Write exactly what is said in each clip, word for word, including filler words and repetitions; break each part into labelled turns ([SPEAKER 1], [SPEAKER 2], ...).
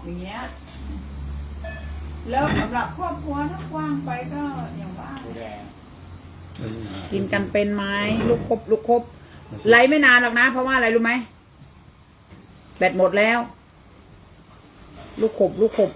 [SPEAKER 1] อย่างเงี้ยแล้วสำหรับครอบครัวถ้ากว้างไปก็อย่างว่า
[SPEAKER 2] กินกันเป็นไหมลูกครบลูกครบไหลไม่นานหรอกนะเพราะว่าอะไรรู้ไหมแบตหมดแล้ว ลูกขบลูกขบ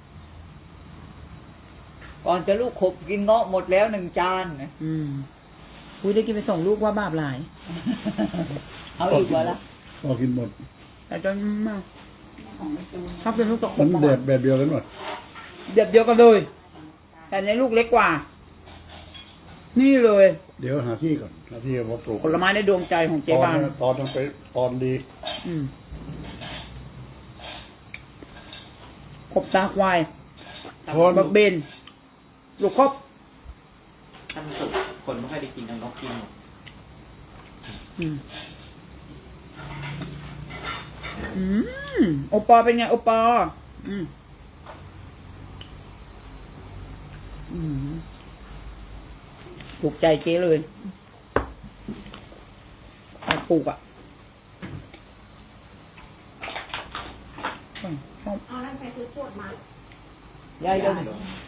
[SPEAKER 3] ก่อนจะลูกขบกินเงาะหมดแล้วหนึ่งจาน
[SPEAKER 2] อืมอุ้ยได้กินไปส่งลูกว่าบาปหลาย
[SPEAKER 3] เอาอีกวะละ
[SPEAKER 4] พอกินหมด
[SPEAKER 2] แต่จนมากชอบกินลูกตะขบ
[SPEAKER 4] มันแบบแบบเดียวกันหมด
[SPEAKER 2] เดียวเดียวกันเลยแต่ในลูกเล็กกว่านี่เลย
[SPEAKER 4] เดี๋ยวหาที่ก่อนหาที่มาปลูก
[SPEAKER 2] ผลไม้ในดวงใจของเจ๊บ้าน
[SPEAKER 4] ตอนต้องไปตอนดี
[SPEAKER 2] อืมขบตาควาย
[SPEAKER 4] ทอน
[SPEAKER 2] บักเบนลูกครบ
[SPEAKER 5] ท่านสุดคนไม่ค่อยได้กินเอานกกินหมด
[SPEAKER 2] อืมอืมโอปอเป็นไงโอปออืมอืมถูกใจเจ๊เลยปลูกอ่ะ
[SPEAKER 1] เอาแล้วไปซื้อขวดมาย
[SPEAKER 2] ายเดิน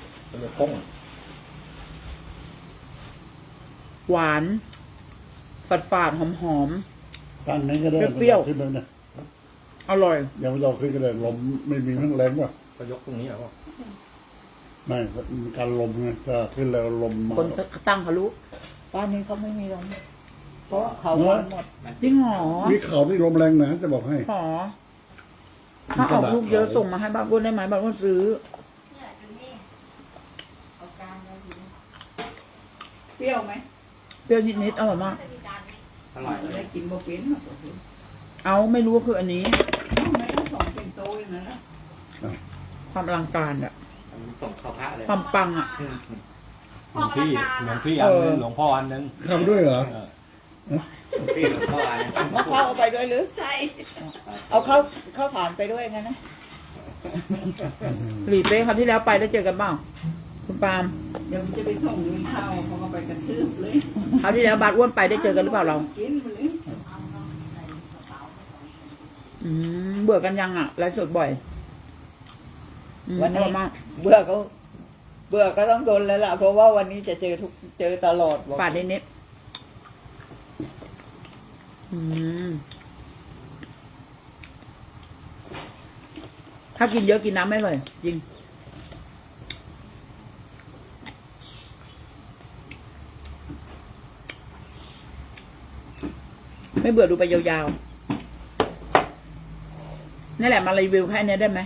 [SPEAKER 2] หวานฝาดฝาดหอมหอม
[SPEAKER 4] ตั้งนี้ก็ได้
[SPEAKER 2] เปรี้ยว
[SPEAKER 4] ขึ้นแล้วเนี่ย
[SPEAKER 2] อร่อย
[SPEAKER 4] ยังไม่เราขึ้นก็ได้ลมไม่มีทั้งแรงว่ะ
[SPEAKER 5] ก็ยกตรงนี้เหรอพ่อ
[SPEAKER 4] ไม่การลมไงถ้าขึ้นแล้วลมมา
[SPEAKER 2] คนตั้งเขารู้
[SPEAKER 3] บ้านนี้เขาไม่มีลมเพราะเขาหมด
[SPEAKER 2] จริงหรอ
[SPEAKER 4] มีเขาที่ลมแรงนะจะบอกให้
[SPEAKER 2] หรอถ้าออกลูกเยอะส่งมาให้บ้านอ้วนได้ไหมบ้านอ้วนซื้อเปรี้ยวไหมเปรี้ยวนิดๆอร่อยมาก
[SPEAKER 5] อร่อย
[SPEAKER 1] ได้กินโมเป็น
[SPEAKER 2] เอาไม่รู้ว่าคืออันนี้
[SPEAKER 1] ไม่ต้องส่งเป็นโตอย่างนั้นนะ
[SPEAKER 2] ความอลังการอะ
[SPEAKER 5] ส่งข้าวพระเลย
[SPEAKER 2] ความปังอะ
[SPEAKER 5] หลวงพี่หลวงพี่อันนึงหลวงพ่ออันนึง
[SPEAKER 4] ทำด้วยเหรอ
[SPEAKER 5] หลวงพี่หลวงพ่ออันนึง
[SPEAKER 3] มะพร้าวเอาไปด้วยหรือ
[SPEAKER 1] ใช่
[SPEAKER 3] เอาข้าวข้าวสารไปด้วยงั้นนะ
[SPEAKER 2] หลีเป้คราวที่แล้วไปได้เจอกันเปล่าคุณปาล์ม
[SPEAKER 1] เดี๋ยวจะไปส่งเงินเข้าเขาก็ไปกระทืบเลย
[SPEAKER 2] คราวที่แล้วบาสอ้วนไปได้เจอกันหรือเปล่าเราอืมเบื่อกันยังอ่ะไลฟ์สดบ่อย
[SPEAKER 3] วันนี้เบื่อก็เบื่อก็ต้องโดนแล้วล่ะเพราะว่าวันนี้จะเจอทุกเจอตลอด
[SPEAKER 2] ฝาดนิดอืมถ้ากินเยอะกินน้ำไม่เลยจริงไม่เบื่อดูไปยาวๆนี่แหละมารีวิวแค่นี้ได้ไหม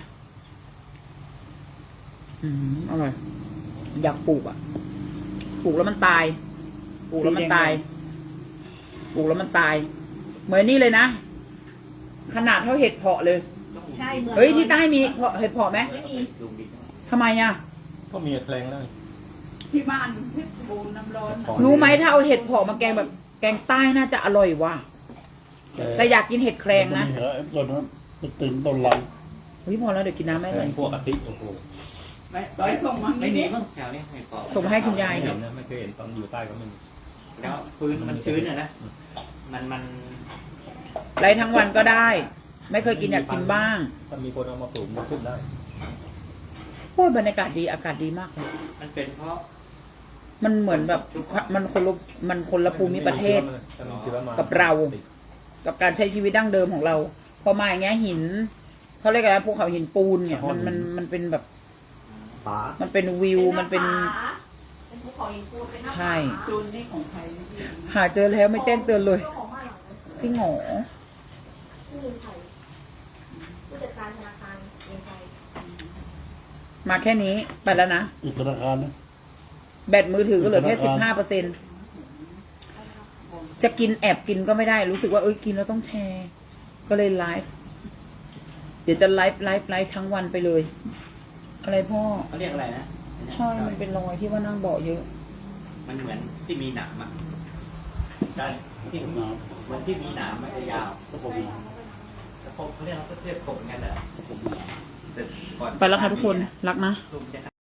[SPEAKER 2] อืมอร่อยอยากปลูกอ่ะปลูกแล้วมันตายปลูกแล้วมันตายปลูกแล้วมันตายเหมือนนี่เลยนะขนาดเท่าเห็ดเพาะเลย
[SPEAKER 1] ใช่เหมือน
[SPEAKER 2] เฮ้ยที่ใต้มีเห็ดเพาะไหม
[SPEAKER 1] ไม่มี
[SPEAKER 2] ทำไมอ่ะ
[SPEAKER 5] ก็มีแรงแล้ว
[SPEAKER 1] ที่บ้านเพชรบูรณ์น้ำร้อน
[SPEAKER 2] รู้ไหมถ้าเอาเห็ดเพาะมาแกงแบบแกงใต้น่าจะอร่อยว่ะแต่อยากกินเห็ดแครงนะ
[SPEAKER 4] ต้นนั้นตึงต้นลัง
[SPEAKER 2] เฮ้ยพอแล้วเดี๋ยวกินน้ำไม่เลย
[SPEAKER 5] พวกอาทิโอ้โห
[SPEAKER 1] ไม่ต่อยส่งมา
[SPEAKER 5] ไม่มีมั้งแถวนี้ไม่พอ
[SPEAKER 2] ส่งมาให้คุณยาย
[SPEAKER 5] เห็นนะไม่เคยเห็นตอนอยู่ใต้ก็ไม่มีแล้วพื้นมันชื้นอ่ะนะมันมัน
[SPEAKER 2] ไรทั้งวันก็ได้ไม่เคยกินอยากกินบ้าง
[SPEAKER 5] ถ้ามีคนเอามาปลูกมันขึ้นได้
[SPEAKER 2] โอ้ยบรรยากาศดีอากาศดีมากเลย
[SPEAKER 5] มันเป็นเพราะ
[SPEAKER 2] มันเหมือนแบบมันคนละมันคนละภูมิประเทศกับเรากับการใช้ชีวิตดั้งเดิมของเราพอมาอย่างเงี้ยหินเขาเรียกอะไรภูเขาหินปูนเนี่ยมันมันมันเป็นแบบมันเป็นวิวมันเป็นใช่หาเจอแล้วไม่แจ้งเตือนเลยจริงหรอมาแค่นี้ไปแล้วนะ
[SPEAKER 4] อีกธนาคารนะ
[SPEAKER 2] แบตมือถือก็เหลือแค่สิบห้าเปอร์เซ็นต์จะกินแอบกินก็ไม่ได้รู้สึกว่าเอ้ยกินแล้วต้องแชร์ก็เลยไลฟ์เดี๋ยวจะไลฟ์ไลฟ์ไลฟ์ทั้งวันไปเลยอะไรพ่อ
[SPEAKER 5] เขาเรียกอะไรนะ
[SPEAKER 2] ใช่มันเป็นรอยที่ว่านั่งเบาะเยอะ
[SPEAKER 5] มันเหมือนที่มีหนามอ่ะใช่ที่มีเหมือนที่มีหนามมันจะยาวก็ผมแต่ผมเขาเรียกเราก็เรียกผมกันแหละ
[SPEAKER 2] ไปแล้วค่ะทุกคนรักนะ